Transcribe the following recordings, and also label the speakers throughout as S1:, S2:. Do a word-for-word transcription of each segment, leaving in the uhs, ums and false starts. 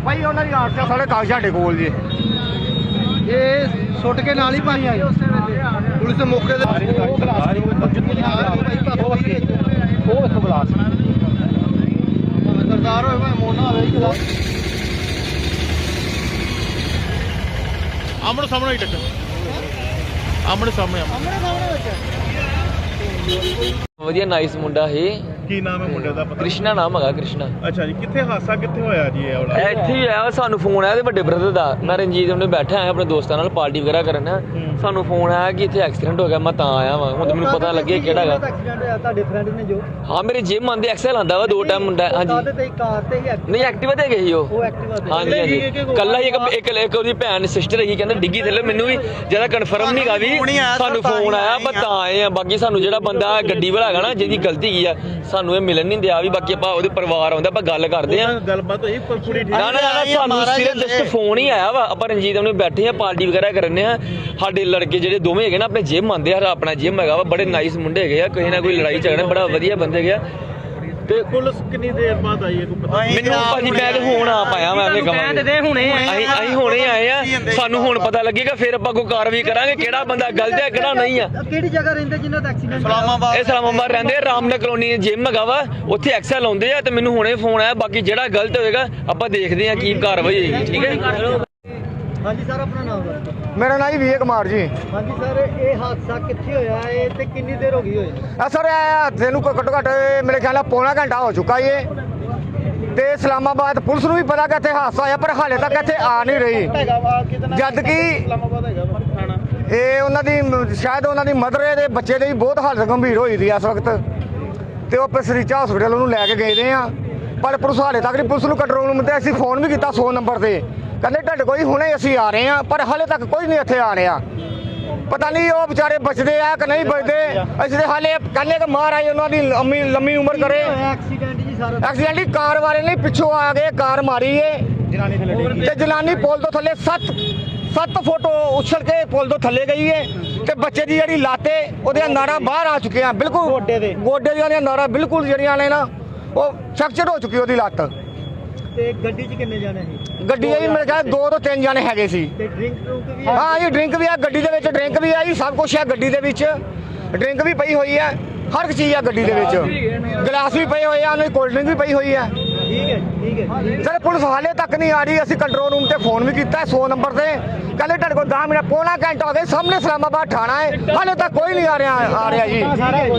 S1: ਭਾਈ ਉਹਨਾਂ ਦੀ ਆਰਟੀਆ ਸਾਰੇ ਕਾਗਜ਼ ਸਾਡੇ ਕੋਲ ਜੀ
S2: ਇਹ ਸੁੱਟ ਕੇ ਨਾਲ ਹੀ ਪਾਣੀ ਆਈ ਪੁਲਿਸ ਦੇ ਮੌਕੇ ਤੇ
S1: ਉਹ ਵੇਖੋ ਗਲਾਸ
S2: ਸਰਦਾਰ ਹੋਵੇ ਭਾਵੇਂ ਮੋਨਾ ਹੋਵੇ ਹੀ ਗਲਾਸ
S3: ਆਮਣੇ ਸਾਹਮਣੇ ਹੀ ਟੱਕਰ ਆਮਣੇ ਸਾਹਮਣੇ
S2: ਸਾਹਮਣੇ ਸਾਹਮਣੇ ਵਿੱਚ
S4: ਵਧੀਆ ਨਾਈਸ ਮੁੰਡਾ ਹੈ।
S3: ਕੀ ਨਾਮ ਹੈ ਮੁੰਡੇ ਦਾ ਪਤਾ?
S4: ਕ੍ਰਿਸ਼ਨਾ ਨਾਮ ਹੈਗਾ ਕ੍ਰਿਸ਼ਨਾ।
S3: ਅੱਛਾ ਜੀ, ਕਿੱਥੇ ਹਾਦਸਾ ਕਿੱਥੇ ਹੋਇਆ ਜੀ ਇਹ ਵਾਲਾ?
S4: ਇੱਥੇ ਹੀ ਆਇਆ ਸਾਨੂੰ ਫੋਨ ਆਇਆ ਤੇ ਵੱਡੇ ਬ੍ਰਦਰ ਦਾ। ਮੈਂ ਰਣਜੀਤ ਉਹਨੇ ਬੈਠਾ ਆਇਆ ਆਪਣੇ ਦੋਸਤਾਂ ਨਾਲ ਪਾਰਟੀ ਵਗੈਰਾ ਕਰਨ। ਸਾਨੂੰ ਫੋਨ ਆਇਆ ਕਿ ਇੱਥੇ ਐਕਸੀਡੈਂਟ ਹੋ ਗਿਆ। ਮੈਂ ਤਾਂ ਆਇਆ ਵਾਂ, ਹੁਣ ਮੈਨੂੰ ਪਤਾ ਲੱਗੇ ਕਿਹੜਾ ਹੈਗਾ।
S2: ਐਕਸੀਡੈਂਟ ਹੋਇਆ ਤੁਹਾਡੇ ਫਰੈਂਡ ਨੇ ਜੋ?
S4: ਹਾਂ ਮੇਰੇ ਜਿਮ ਆਂਦੇ ਐਕਸਲ ਆਂਦਾ ਵਾ ਦੋ ਟਾਈਮ ਮੁੰਡਾ। ਹਾਂਜੀ
S2: ਤੇ ਕਾਰ ਤੇ ਹੀ
S4: ਨਹੀਂ ਐਕਟਿਵਾ ਤੇ ਗਈ ਉਹ।
S2: ਉਹ ਐਕਟਿਵਾ ਤੇ
S4: ਹਾਂਜੀ ਹਾਂਜੀ ਕੱਲਾ ਹੀ ਇੱਕ ਇੱਕ ਇੱਕ ਉਹਦੀ ਭੈਣ ਸਿਸਟਰ ਹੈਗੀ ਕਹਿੰਦੇ ਡਿੱਗੀ ਥੱਲੇ। ਮੈਨੂੰ ਵੀ ਜ਼ਿਆਦਾ ਕਨਫਰਮ ਨਹੀਂ ਗਾ ਵੀ ਸਾਨੂੰ ਫੋਨ ਆਇਆ ਪਰ ਤਾਂ ਆਏ ਆ। ਬਾਕੀ ਸਾਨੂੰ ਜਿਹੜਾ ਬੰਦਾ ਗੱਡੀ ਵਾਲਾ ਹੈਗਾ ਨਾ ਜਿਹਦੀ ਗਲਤੀ ਕੀ ਆ ਸਾਨੂੰ ਇਹ ਮਿਲਣ ਨਹੀਂ ਦਿਆ ਵੀ। ਬਾਕੀ ਆਪਾਂ ਉਹਦੇ ਪਰਿਵਾਰ ਆਉਂਦਾ ਆਪਾਂ ਗੱਲ ਕਰਦੇ ਆ।
S3: ਗੱਲਬਾਤ ਹੋਈ ਕੁੜੀ ਠੀਕ?
S4: ਨਾ ਨਾ ਨਾ ਸਾਨੂੰ ਸਿਰਫ ਜਸਟ ਫੋਨ ਹੀ ਆਇਆ ਵਾ। ਆਪਾਂ ਰਣਜੀਤ ਉਹਨੇ ਬੈਠੇ ਆ ਪਾਰਟੀ ਵਗੈਰਾ ਕਰਨੇ ਆ। ਸਾਡੇ ਲੜਕੇ ਜਿਹੜੇ ਦੋਵੇਂ ਹੈਗੇ ਨਾ ਆਪਣੇ ਜਿਮ ਆਉਂਦੇ ਆ। ਆਪਣਾ ਜਿਮ ਹੈਗਾ ਵਾ, ਬੜੇ ਨਾਈਸ ਮੁੰਡੇ ਹੈਗੇ ਆ। ਕਿਸੇ ਨਾ ਕੋਈ ਲੜਾਈ ਝਗੜਾ ਬੜਾ ਵਧੀਆ ਬੰਦੇ ਹੈਗੇ ਆ। ਤੇ
S3: ਪੁਲਿਸ ਕਿੰਨੀ ਦੇਰ ਬਾਅਦ ਆਈ ਹੈ ਕੋਈ ਪਤਾ?
S4: ਮੈਨੂੰ ਭਾਜੀ ਮੈਂ ਤੇ ਹੁਣ ਆ ਪਾਇਆ ਮੈਂ ਐਵੇਂ ਕਹਾਂਗੇ ਅਸੀਂ ਅਸੀਂ ਹੁਣੇ ਆਏ ਆ। ਸਾਨੂੰ ਹੁਣ ਪਤਾ ਲੱਗੇਗਾ ਫਿਰ ਆਪਾਂ ਕੋਈ ਕਾਰਵਾਈ ਕਰਾਂਗੇ ਕਿਹੜਾ ਬੰਦਾ ਗਲਤ ਹੈ ਕਿਹੜਾ ਨਹੀਂ ਆ।
S2: ਕਿਹੜੀ ਜਗ੍ਹਾ ਰਹਿੰਦੇ ਜਿਨ੍ਹਾਂ ਦਾ ਐਕਸੀਡੈਂਟ?
S4: ਇਸਲਾਮਾਬਾਦ। ਇਹ ਇਸਲਾਮਾਬਾਦ ਰਹਿੰਦੇ ਆ, ਰਾਮਨਗਰ ਕਲੋਨੀ ਜਿਮ ਹੈਗਾ ਵਾ ਉੱਥੇ ਐਕਸਲ ਆਉਂਦੇ ਆ। ਤੇ ਮੈਨੂੰ ਹੁਣੇ ਫੋਨ ਆਇਆ। ਬਾਕੀ ਜਿਹੜਾ ਗਲਤ ਹੋਏਗਾ ਆਪਾਂ ਦੇਖਦੇ ਆ ਕੀ ਕਾਰਵਾਈ ਹੋਏਗੀ। ਠੀਕ ਹੈ।
S2: ਹਾਂਜੀ ਸਰ ਆਪਣਾ ਨਾਮ ਦੱਸੋ।
S1: ਮੇਰਾ ਨਾਮ ਜੀ ਵੀਰ ਕੁਮਾਰ ਜੀ।
S2: ਹਾਂਜੀ ਸਰ ਇਹ ਹਾਦਸਾ ਕਿੱਥੇ ਹੋਇਆ ਹੈ ਤੇ ਕਿੰਨੀ ਦੇਰ ਹੋ ਗਈ ਹੋਈ?
S1: ਆ ਸਰ ਇਹ ਹਾਦਸੇ ਨੂੰ ਘੱਟੋ ਘੱਟ ਮੇਰੇ ਖਿਆਲ ਨਾਲ ਪੌਣਾ ਘੰਟਾ ਹੋ ਚੁੱਕਾ ਏ। ਤੇ ਇਸਲਾਮਾਬਾਦ ਪੁਲਿਸ ਨੂੰ ਵੀ ਪਤਾ ਕਿ ਇੱਥੇ ਹਾਦਸਾ ਹੋਇਆ ਪਰ ਹਾਲੇ ਤੱਕ ਇੱਥੇ ਆ ਨਹੀਂ ਰਹੀ। ਜਦ ਕਿ ਇਹ ਉਹਨਾਂ ਦੀ ਸ਼ਾਇਦ ਉਹਨਾਂ ਦੀ ਮਦਰ ਦੇ ਬੱਚੇ ਦੀ ਬਹੁਤ ਹਾਲਤ ਗੰਭੀਰ ਹੋਈ ਦੀ ਇਸ ਵਕਤ। ਤੇ ਉਹ ਪਸਰੀਚਾ ਹਸਪੀਟਲ ਉਹਨੂੰ ਲੈ ਕੇ ਗਏ ਦੇ ਆ ਪਰ ਪੁਲਿਸ ਹਾਲੇ ਤੱਕ ਨਹੀਂ। ਪੁਲਿਸ ਨੂੰ ਕੰਟਰੋਲ ਰੂਮ ਤੇ ਅਸੀਂ ਫੋਨ ਵੀ ਕੀਤਾ ਸੌ ਨੰਬਰ ਤੇ, ਕਹਿੰਦੇ ਤੁਹਾਡੇ ਕੋਈ ਹੁਣੇ ਅਸੀਂ ਆ ਰਹੇ ਆ ਪਰ ਹਾਲੇ ਤੱਕ ਕੋਈ ਨਹੀਂ ਇੱਥੇ ਆ ਰਿਹਾ। ਪਤਾ ਨਹੀਂ ਉਹ ਵਿਚਾਰੇ ਬਚਦੇ ਆ ਕਿ ਨਹੀਂ ਬਚਦੇ। ਅਸੀਂ ਤੇ ਹਾਲੇ ਕਹਿੰਦੇ ਕਿ ਮਹਾਰਾਜ ਉਹਨਾਂ ਦੀ ਲੰਮੀ ਲੰਮੀ ਉਮਰ ਕਰੇ।
S2: ਐਕਸੀਡੈਂਟ ਜੀ ਸਾਰਾ
S1: ਐਕਸੀਡੈਂਟ ਹੀ ਕਾਰ ਵਾਲੇ ਨੇ ਪਿੱਛੋਂ ਆ ਗਏ ਕਾਰ ਮਾਰੀ ਏ ਤੇ ਜਨਾਨੀ ਪੁਲ ਤੋਂ ਥੱਲੇ ਸੱਤ ਸੱਤ ਫੁੱਟ ਉਛਲ ਕੇ ਪੁਲ ਤੋਂ ਥੱਲੇ ਗਈ ਏ। ਤੇ ਬੱਚੇ ਦੀ ਜਿਹੜੀ ਲਾਤੇ ਉਹਦੀਆਂ ਨਾੜਾਂ ਬਾਹਰ ਆ ਚੁੱਕੀਆਂ ਬਿਲਕੁਲ ਗੋਡੇ ਦੇ ਗੋਡੇ ਦੀਆਂ ਨਾੜਾਂ ਬਿਲਕੁਲ ਜਿਹੜੀਆਂ ਨੇ ਨਾ ਉਹ ਫ੍ਰੈਕਚਰ ਹੋ ਚੁੱਕੀ ਉਹਦੀ ਲੱਤ।
S2: ਤੇ ਗੱਡੀ 'ਚ ਕਿੰਨੇ ਜਾਣੇ ਸੀ? ਗੱਡੀ
S1: ਇਹ ਮੇਰੇ ਖਿਆਲ ਦੋ ਤੋਂ ਤਿੰਨ ਜਾਣੇ ਹੈਗੇ ਸੀ।
S2: ਤੇ ਡਰਿੰਕ ਡਰੂਕ ਵੀ?
S1: ਹਾਂ ਇਹ ਡਰਿੰਕ ਵੀ ਆ ਗੱਡੀ ਦੇ ਵਿੱਚ। ਡਰਿੰਕ ਵੀ ਆ ਜੀ, ਸਭ ਕੁਝ ਆ ਗੱਡੀ ਦੇ ਵਿੱਚ। ਡਰਿੰਕ ਵੀ ਪਈ ਹੋਈ ਹੈ, ਹਰ ਇੱਕ ਚੀਜ਼ ਆ ਗੱਡੀ ਦੇ ਵਿੱਚ। ਗਲਾਸ ਵੀ ਪਏ ਹੋਏ ਆ, ਉਹਨਾਂ ਦੀ ਕੋਲਡ ਡਰਿੰਕ ਵੀ ਪਈ ਹੋਈ ਹੈ।
S2: ਠੀਕ ਹੈ ਠੀਕ ਹੈ
S1: ਸਰ ਪੁਲਿਸ ਹਾਲੇ ਤੱਕ ਨਹੀਂ ਆ ਰਹੀ। ਅਸੀਂ ਕੰਟਰੋਲ ਰੂਮ ਤੇ ਫੋਨ ਵੀ ਕੀਤਾ ਸੌ ਨੰਬਰ ਤੇ, ਕਹਿੰਦੇ ਤੁਹਾਡੇ ਕੋਲ ਦਸ ਮਿੰਟ ਪੌਣਾ ਘੰਟਾ ਹੋ ਗਿਆ। ਸਾਹਮਣੇ ਇਸਲਾਮਾਬਾਦ ਥਾਣਾ ਹੈ, ਹਾਲੇ ਤੱਕ ਕੋਈ ਨਹੀਂ ਆ ਰਿਹਾ ਆ ਰਿਹਾ ਜੀ।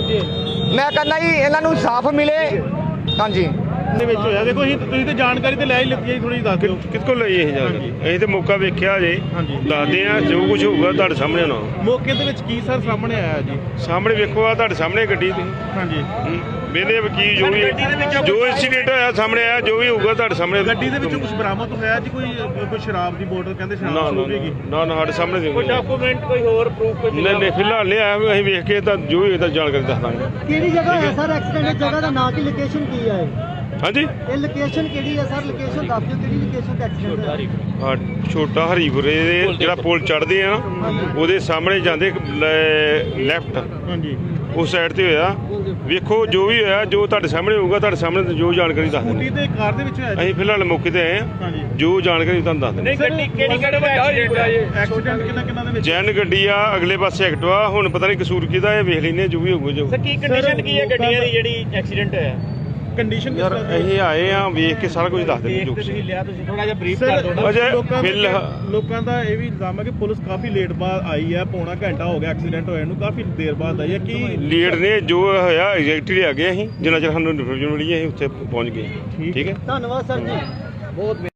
S1: ਮੈਂ ਕਹਿੰਦਾ ਜੀ ਇਹਨਾਂ ਨੂੰ ਇਨਸਾਫ ਮਿਲੇ। ਹਾਂਜੀ
S3: ਦੇ ਵਿੱਚ ਹੋਇਆ ਦੇਖੋ ਅਸੀਂ ਤੁਸੀਂ ਤੇ ਜਾਣਕਾਰੀ ਤੇ ਲੈ ਹੀ ਲਿੱਤੀ ਹੈ, ਥੋੜੀ ਦੱਸ ਦਿਓ
S5: ਕਿਸ ਕੋਲ ਲਈ ਇਹ ਜਾਣਕਾਰੀ? ਅਸੀਂ ਤੇ ਮੌਕਾ ਵੇਖਿਆ ਜੇ ਦੱਸਦੇ ਆ ਜੋ ਕੁਝ ਹੋਊਗਾ ਤੁਹਾਡੇ ਸਾਹਮਣੇ ਨਾ।
S3: ਮੌਕੇ ਦੇ ਵਿੱਚ ਕੀ ਸਰ ਸਾਹਮਣੇ ਆਇਆ ਜੀ?
S5: ਸਾਹਮਣੇ ਵੇਖੋ ਆ ਤੁਹਾਡੇ ਸਾਹਮਣੇ ਗੱਡੀ ਤੇ
S3: ਹਾਂਜੀ
S5: ਵੇਲੇ ਵਕੀਲ ਜੋ ਵੀ ਜੋ ਇੰਸੀਡੈਂਟ ਹੋਇਆ ਸਾਹਮਣੇ ਆਇਆ ਜੋ ਵੀ ਹੋਊਗਾ ਤੁਹਾਡੇ ਸਾਹਮਣੇ।
S3: ਗੱਡੀ ਦੇ ਵਿੱਚੋਂ ਕੁਝ ਬਰਾਮਦ ਹੋਇਆ ਜੀ? ਕੋਈ ਕੋਈ ਸ਼ਰਾਬ ਦੀ ਬੋਤਲ ਕਹਿੰਦੇ
S5: ਨਾ
S3: ਸ਼ਰਾਬ
S5: ਨਾ
S3: ਹੋਵੇਗੀ?
S5: ਨਾ ਨਾ ਸਾਡੇ ਸਾਹਮਣੇ ਦੇ
S3: ਕੋਈ ਡਾਕੂਮੈਂਟ ਕੋਈ ਹੋਰ ਪ੍ਰੂਫ ਕੋਈ?
S5: ਨਹੀਂ ਨਹੀਂ ਫਿਲਹਾਲ ਨਹੀਂ ਆਇਆ। ਅਸੀਂ ਵੇਖ ਕੇ ਤਾਂ ਜੋ ਵੀ ਇਹਦਾ ਜਾਣਕਾਰੀ ਦੱਸ ਦਾਂਗੇ।
S2: ਕਿਹੜੀ ਜਗ੍ਹਾ ਹੈ ਸਰ ਐਕਸੀਡੈਂਟ? ਜਗ੍ਹਾ ਦਾ ਨਾਂ ਕੀ, ਲੋਕੇਸ਼ਨ ਕੀ ਹੈ?
S5: ਹਾਂਜੀ
S2: ਇਹ ਲੋਕੇਸ਼ਨ ਕਿਹੜੀ ਹੈ ਸਰ? ਲੋਕੇਸ਼ਨ ਦੱਸ ਦਿਓ ਕਿਹੜੀ ਲੋਕੇਸ਼ਨ ਤੇ ਐਕਸੀਡੈਂਟ ਹੋਇਆ?
S5: ਹਾਂ ਛੋਟਾ ਹਰੀਪੁਰੇ ਦੇ ਜਿਹੜਾ ਪੁਲ ਚੜ੍ਹਦੇ ਆ ਨਾ ਉਹਦੇ ਸਾਹਮਣੇ ਜਾਂਦੇ ਲੈਫਟ
S3: ਹਾਂਜੀ
S5: ਉਸ ਸਾਈਡ ਤੇ ਹੋਇਆ। ਵੇਖੋ ਜੋ ਵੀ ਹੋਇਆ ਜੋ ਤੁਹਾਡੇ ਸਾਹਮਣੇ ਹੋਊਗਾ ਤੁਹਾਡੇ ਸਾਹਮਣੇ ਜੋ ਜਾਣਕਾਰੀ ਦੱਸ
S3: ਗੱਡੀ
S5: ਦਿੰਦੇ।
S3: ਤੇ ਕਾਰ ਦੇ ਵਿੱਚ ਹੋਇਆ ਜੀ?
S5: ਅਸੀਂ ਫਿਲਹਾਲ ਮੌਕੇ ਤੇ ਆਏ ਹਾਂ, ਜੋ ਜਾਣਕਾਰੀ ਤੁਹਾਨੂੰ ਦੱਸ ਦਿੰਦੇ।
S3: ਗੱਡੀ ਕਿਹੜੀ ਕਿਹੜੇ ਐਕਸੀਡੈਂਟ ਕਿੰਨਾ ਕਿੰਨਾ ਦੇ ਵਿੱਚ?
S5: ਜੈਨ ਗੱਡੀ ਆ, ਅਗਲੇ ਪਾਸੇ ਐਕਟਿਵਾ। ਹੁਣ ਪਤਾ ਨਹੀਂ ਕਸੂਰ ਕਿਹਦਾ ਇਹ ਵੇਖ ਲੈਨੇ ਜੋ ਵੀ ਹੋਊਗਾ ਜੋ।
S3: ਕੀ ਕੰਡੀਸ਼ਨ ਕੀ ਹੈ ਗੱਡੀਆਂ ਦੀ ਜਿਹੜੀ ਐਕਸੀਡੈਂਟ ਹੋਇਆ? ਕੰਡੀਸ਼ਨ
S5: ਯਾਰ ਅਸੀਂ ਆਏ ਆ ਵੇਖ ਕੇ ਸਾਰਾ ਕੁਝ ਦੱਸ ਦਿੰਦੇ ਜੋ ਕੁਛ।
S3: ਲਿਆ ਤੁਸੀਂ ਥੋੜਾ ਜਿਹਾ ਬਰੀਫ ਕਰ ਦਿਓ।
S5: ਅਜੇ
S3: ਲੋਕਾਂ
S5: ਫਿਲਹਾਲ
S3: ਲੋਕਾਂ ਦਾ ਇਹ ਵੀ ਇਲਜ਼ਾਮ ਹੈ ਕਿ ਪੁਲਿਸ ਕਾਫੀ ਲੇਟ ਬਾਅਦ ਆਈ ਹੈ। ਪੌਣਾ ਘੰਟਾ ਹੋ ਗਿਆ ਐਕਸੀਡੈਂਟ ਹੋਇਆ ਨੂੰ, ਕਾਫੀ ਦੇਰ ਬਾਅਦ ਆਈ ਹੈ। ਕੀ
S5: ਲੀਡ ਨੇ ਜੋ ਹੋਇਆ ਐਗਜ਼ੈਕਟਲੀ ਆ ਗਏ ਅਸੀਂ ਜਿੰਨਾ ਚਿਰ ਸਾਨੂੰ ਇਨਫੋਰਮੇਸ਼ਨ ਮਿਲੀ ਅਸੀਂ ਉੱਥੇ ਪਹੁੰਚ ਗਏ। ਠੀਕ ਹੈ
S2: ਧੰਨਵਾਦ ਸਰ ਜੀ ਬਹੁਤ।